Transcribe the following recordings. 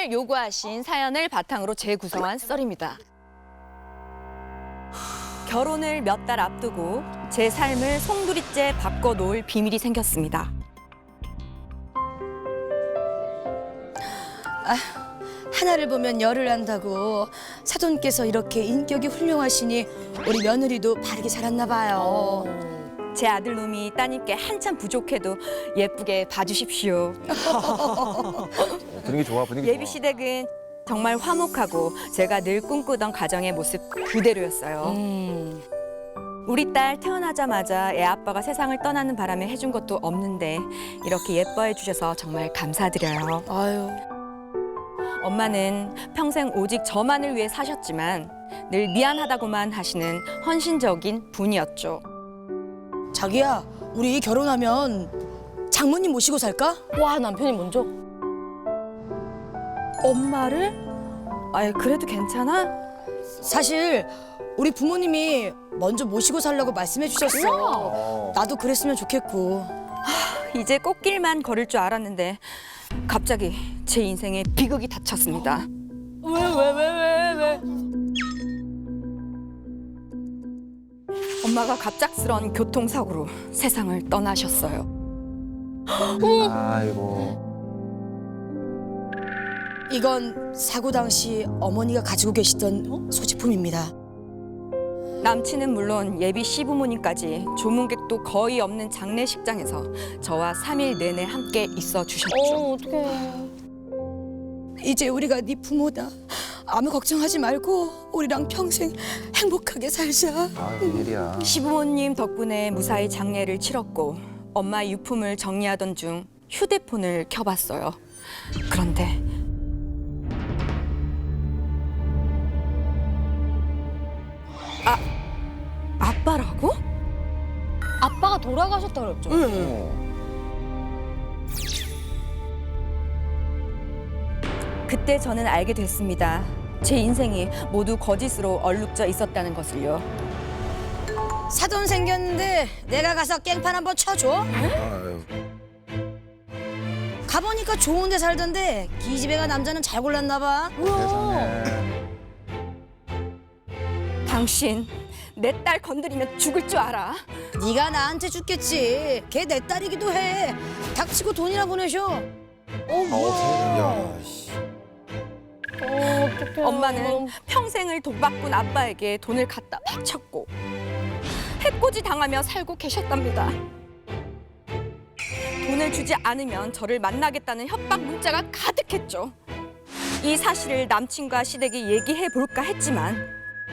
오늘 요구하신 사연을 바탕으로 재구성한 썰입니다. 결혼을 몇 달 앞두고 제 삶을 송두리째 바꿔놓을 비밀이 생겼습니다. 하나를 보면 열을 안다고 사돈께서 이렇게 인격이 훌륭하시니 우리 며느리도 바르게 자랐나 봐요. 제 아들놈이 따님께 한참 부족해도 예쁘게 봐주십시오. 분위기 좋아, 분위기 예비 시댁은 정말 화목하고 제가 늘 꿈꾸던 가정의 모습 그대로였어요. 우리 딸 태어나자마자 애 아빠가 세상을 떠나는 바람에 해준 것도 없는데 이렇게 예뻐해 주셔서 정말 감사드려요. 아유, 엄마는 평생 오직 저만을 위해 사셨지만 늘 미안하다고만 하시는 헌신적인 분이었죠. 자기야, 우리 결혼하면 장모님 모시고 살까? 와, 남편이 먼저? 엄마를? 아이, 그래도 괜찮아? 사실 우리 부모님이 먼저 모시고 살라고 말씀해 주셨어. 나도 그랬으면 좋겠고. 이제 꽃길만 걸을 줄 알았는데 갑자기 제 인생에 비극이 닥쳤습니다. 왜? 엄마가 갑작스런 교통사고로 세상을 떠나셨어요. 아이고. 이건 사고 당시 어머니가 가지고 계시던 소지품입니다. 남친은 물론 예비 시부모님까지 조문객도 거의 없는 장례식장에서 저와 3일 내내 함께 있어 주셨죠. 어떡해. 이제 우리가 네 부모다. 아무 걱정하지 말고 우리랑 평생 행복하게 살자. 아, 웬일이야. 시부모님 덕분에 무사히 장례를 치렀고 엄마 유품을 정리하던 중 휴대폰을 켜봤어요. 그런데 아빠라고? 아빠가 돌아가셨다 그랬죠? 그때 저는 알게 됐습니다. 제 인생이 모두 거짓으로 얼룩져 있었다는 것을요. 사돈 생겼는데 내가 가서 깽판 한번 쳐줘. 아유. 가보니까 좋은 데 살던데 기집애가 남자는 잘 골랐나 봐. 세상에. 당신 내 딸 건드리면 죽을 줄 알아? 네가 나한테 죽겠지. 걔 내 딸이기도 해. 닥치고 돈이나 보내셔. 야, 씨. 어떡해. 엄마는 평생을 독박꾼 아빠에게 돈을 갖다 바쳤고 해코지 당하며 살고 계셨답니다. 돈을 주지 않으면 저를 만나겠다는 협박 문자가 가득했죠. 이 사실을 남친과 시댁이 얘기해 볼까 했지만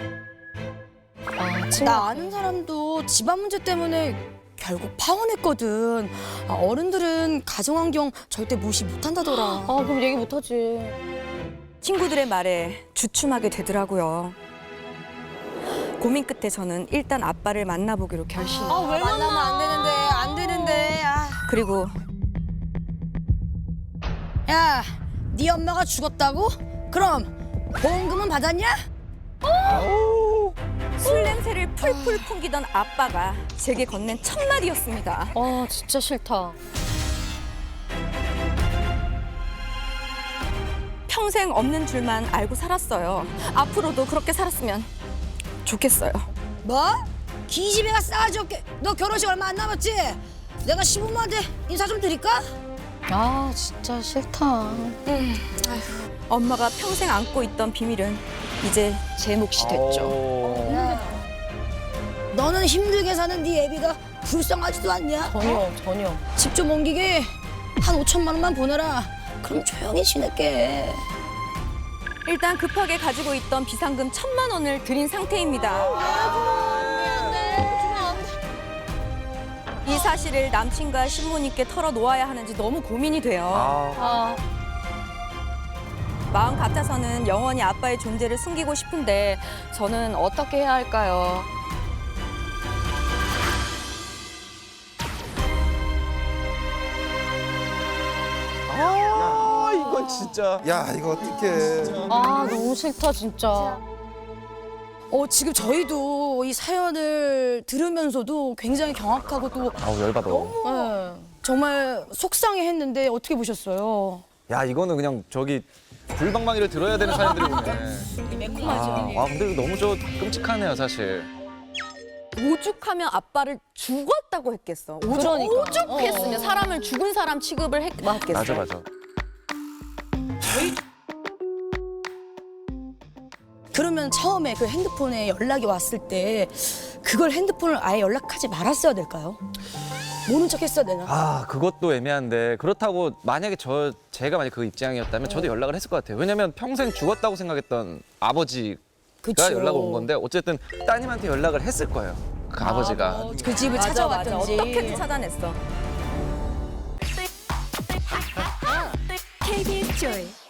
나 아는 사람도 집안 문제 때문에 결국 파혼했거든. 어른들은 가정환경 절대 무시 못한다더라. 그럼 얘기 못하지. 친구들의 말에 주춤하게 되더라고요. 고민 끝에 저는 일단 아빠를 만나보기로 결심. 왜 만나면 안 되는데. 그리고 야, 네 엄마가 죽었다고? 그럼 보험금은 받았냐? 술 냄새를 풀풀 풍기던 아빠가 제게 건넨 첫 마디였습니다. 진짜 싫다. 평생 없는 줄만 알고 살았어요. 앞으로도 그렇게 살았으면 좋겠어요. 뭐? 기집애가 싸가지 없게. 너 결혼식 얼마 안 남았지? 내가 시부모한테 인사 좀 드릴까? 진짜 싫다. 엄마가 평생 안고 있던 비밀은 이제 제 몫이 됐죠. 야, 너는 힘들게 사는 네 애비가 불쌍하지도 않냐? 전혀. 집 좀 옮기게 한 5천만 원만 보내라. 그럼 조용히 지낼게. 일단 급하게 가지고 있던 비상금 1,000만 원을 드린 상태입니다. 이 사실을 남친과 신부님께 털어놓아야 하는지 너무 고민이 돼요. 아, 마음 같아서는 영원히 아빠의 존재를 숨기고 싶은데 저는 어떻게 해야 할까요? 이건 진짜. 야, 이거 어떡해. 너무 싫다, 진짜. 지금 저희도 이 사연을 들으면서도 굉장히 경악하고 또 아우, 열받아. 정말 속상해했는데 어떻게 보셨어요? 야 이거는 그냥 저기 불방망이를 들어야 되는 사람들이네. 매콤하죠. 와 근데 이거 너무 끔찍하네요 사실. 오죽하면 아빠를 죽었다고 했겠어. 그러니까. 오죽했으면 사람을 죽은 사람 취급을 했겠어. 맞아. 그러면 처음에 그 핸드폰에 연락이 왔을 때 그걸 핸드폰을 아예 연락하지 말았어야 될까요? 모른 척 했어야 되나? 아 그것도 애매한데 그렇다고 만약에 제가 만약 그 입장이었다면 저도 연락을 했을 것 같아요. 왜냐면 평생 죽었다고 생각했던 아버지가 그쵸. 연락을 온 건데 어쨌든 따님한테 연락을 했을 거예요. 그 아버지가. 그 집을 맞아. 찾아왔든지. 어떻게든 찾아냈어. KBS 조이